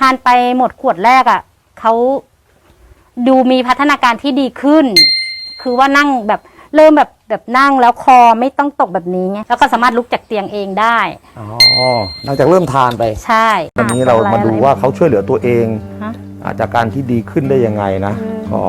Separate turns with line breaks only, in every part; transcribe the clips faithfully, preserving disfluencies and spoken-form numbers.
านไปหมดขวดแรกอ่ะเขาดูมีพัฒนาการที่ดีขึ้นคือว่านั่งแบบเริ่มแบบแบบนั่งแล้วคอไม่ต้องตกแบบนี้ไงแล้วก็สามารถลุกจากเตียงเองได้
อ๋อหลังจากเริ่มทานไป
ใช่
วันนี้เรามาดูว่าเขาช่วยเหลือตัวเอง
ฮะ
อาจากการที่ดีขึ้นได้ยังไงนะก็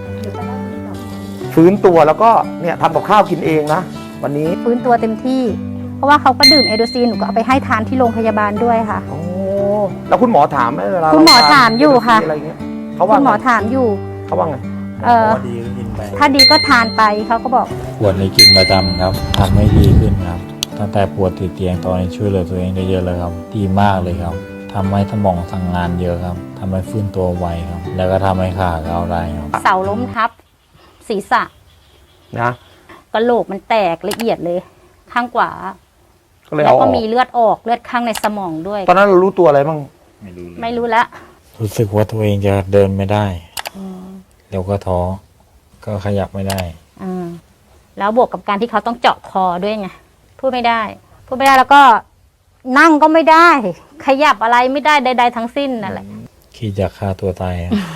ฟื้นตัวแล้วก็เนี่ยทำกับข้าวกินเองนะวันนี้
ฟื้นตัวเต็มที่เพราะว่าเขาก็ดื่มเอโดซีนหนูก็เอาไปให้ทานที่โรงพยาบาลด้วยค่ะ
โอ้แล้วคุณหมอถามไหมเวลา
คุณหมอถามอยู่ค่ะ
อะไรเงี้ยเขาว่า
คุณหมอถามอยู่
เขาว่าไง
เออถ้าดีก็ทานไปเขาก็บอก
ขวดนี้กินประจำครับทำให้ดีขึ้นครับตั้งแต่ปวดติดเตียงตอนนี้ช่วยเหลือตัวเองได้เยอะเลยครับดีมากเลยครับทำให้สมองสั่งงานเยอะครับทำให้ฟื้นตัวไวครับแล้วก็ทำให้ขาก้าวได้ครับ
เสาล้มทับศีรษะ
นะ
กระโหลกมันแตกละเอียดเลยข้างขวา
ก็เลย
แล้ว
เอาอ
ก็
อก
มีเลือดออกเลือดข้างในสมองด้วย
ตอนนั้นเรารู้ตัวอะไรบ้าง
ไม่รู้
ไม่รู้แล้ว
รู้สึกว่าตัวเองจะเดินไม่ได้แล้วก็ท้อก็ขยับไม่ได้
อ่าแล้วบวกกับการที่เขาต้องเจาะคอด้วยไงพูดไม่ได้พูดไม่ได้แล้วก็นั่งก็ไม่ได้ขยับอะไรไม่ได้ใดๆทั้งสิ้นนั่นแหละ
คิดจะฆ่าตัวตาย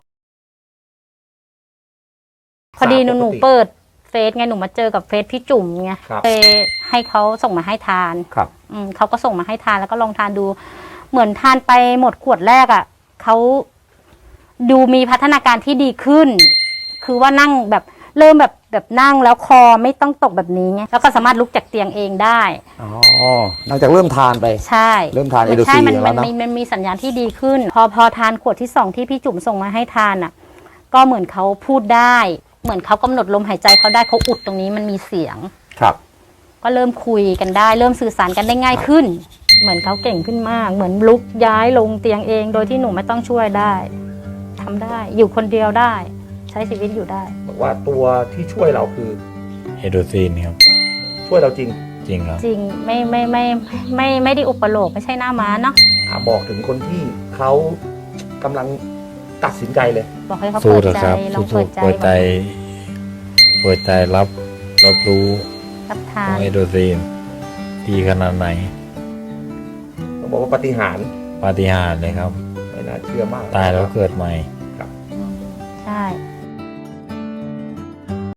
พอดีหนูหนูเปิดเฟซไงหนูมาเจอกับเฟซพี่จุ๋มไงเลยให้เขาส่งมาให้ทาน
ครับ
อืมเขาก็ส่งมาให้ทานแล้วก็ลองทานดูเหมือนทานไปหมดขวดแรกอ่ะเขาดูมีพัฒนาการที่ดีขึ้นคือว่านั่งแบบเริ่มแบบแบบนั่งแล้วคอไม่ต้องตกแบบนี้ไงแล้วก็สามารถลุกจากเตียงเองได้
อ๋อหลังจากเริ่มทานไป
ใช่
เริ่มทานเอโดซี
ใช่มัน
แล้ว
มัน
นะ
มีมันมีสัญญาณที่ดีขึ้น พอพอทานขวดที่สองที่พี่จุ๋มส่งมาให้ทานอ่ะก็เหมือนเขาพูดได้เหมือนเขากำหนดลมหายใจเขาได้เขาอุดตรงนี้มันมีเสียง
ครับ
ก็เริ่มคุยกันได้เริ่มสื่อสารกันได้ง่ายขึ้นเหมือนเขาเก่งขึ้นมากเหมือนลุกย้ายลงเตียงเองโดยที่หนูไม่ต้องช่วยได้ทำได้อยู่คนเดียวได้ใช้ชีวิตอยู่ได้
บอกว่าตัวที่ช่วยเราคือ
เอโดซีนครับ
ช่วยเราจริง
จริงครับ
จริงไม่ไม่ไม่ไม่ไม่ได้อุปโลกไม่ใช่หน้าม้าเนาะ
บอกถึงคนที่เขากำลังตัดสินใจเลย
บอกให้เขา
สู้
เปิด
เถอะ
ใจ
ครับ
ลองเปิ
สู้
ดใจ
ๆเปิดใจเปิดใจรับรับรู้
รับทา
ว่าน เอโดซีนดีขนาดไหน
ต้องบอกว่าปาฏิหาริย์
ปาฏิหาริย์เลยครับ
ไม่น่าเชื่อมาก
ตายแล้วเกิดใหม่